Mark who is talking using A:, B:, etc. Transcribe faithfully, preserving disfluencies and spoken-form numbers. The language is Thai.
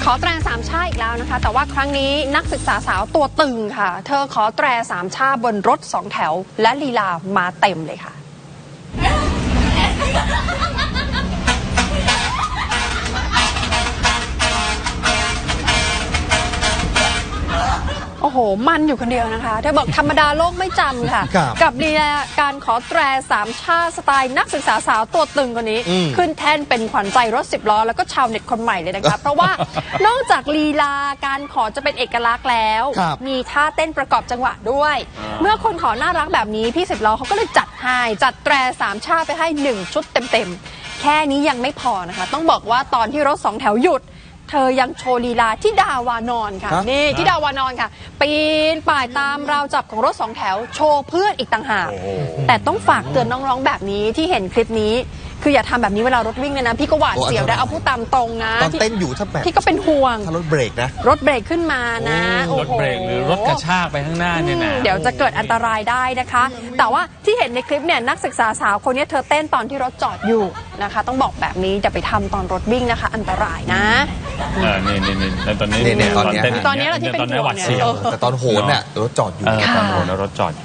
A: ขอแตรสามชาอีกแล้วนะคะแต่ว่าครั้งนี้นักศึกษาสาวตัวตึงค่ะเธอขอแตรสามชาบนรถสองแถวและลีลามาเต็มเลยค่ะโอ้โหมันอยู่คนเดียวนะคะเธอบอกธรรมดาโลกไม่จำค่ะกับลีลาการขอแตรสามชาสไตล์นักศึกษาสาวตัวตึงคนนี้ขึ้นแท่นเป็นขวัญใจรถสิบล้อแล้วก็ชาวเน็ตคนใหม่เลยนะคะเพราะว่านอกจากลีลาการขอจะเป็นเอกลักษณ์แล้วมีท่าเต้นประกอบจังหวะด้วยเมื่อคนขอน่ารักแบบนี้พี่สิบล้อเขาก็เลยจัดให้จัดแตรสามชาไปให้หนึ่งชุดเต็มๆแค่นี้ยังไม่พอนะคะต้องบอกว่าตอนที่รถสองแถวหยุดเธอยังโชว์ลีลาที่ดาวานอนค่ะนี่ที่ดาวานอนค่ะปีนป่ายตามราวจับของรถสองแถวโชว์เพื่อนอีกต่างหากแต่ต้องฝากเตือนน้องๆแบบนี้ที่เห็นคลิปนี้คืออย่าทำแบบนี้เวลารถวิ่งเลยนะพี่ก็หวาดเสียวได้เอาพูดตามตรงนะ
B: ตอนเต้นอยู่ถ้าแบบ
A: พี่ก็เป็นห่วง
B: ถ้ารถเบรกนะ
A: รถเบรกขึ้นมานะ
C: รถเบรกหรือรถกระชากไปข้างหน้าเนี่ยนะ
A: เดี๋ยวจะเกิดอันตรายได้นะคะแต่ว่าที่เห็นในคลิปเนี่ยนักศึกษาสาวคนนี้เธอเต้นตอนที่รถจอดอยู่นะคะต้องบอกแบบนี้อย่าไปทำตอนรถวิ่งนะคะอันตรายนะ
C: เออนี่นี่นี่ตอนนี้
B: ตอนนี้
A: ตอนนี้เราที่เป็นห่วงเนี่ย
B: แต่ตอนโหนเนี่ยรถจอดอยู่
C: ตอนโหนรถจอด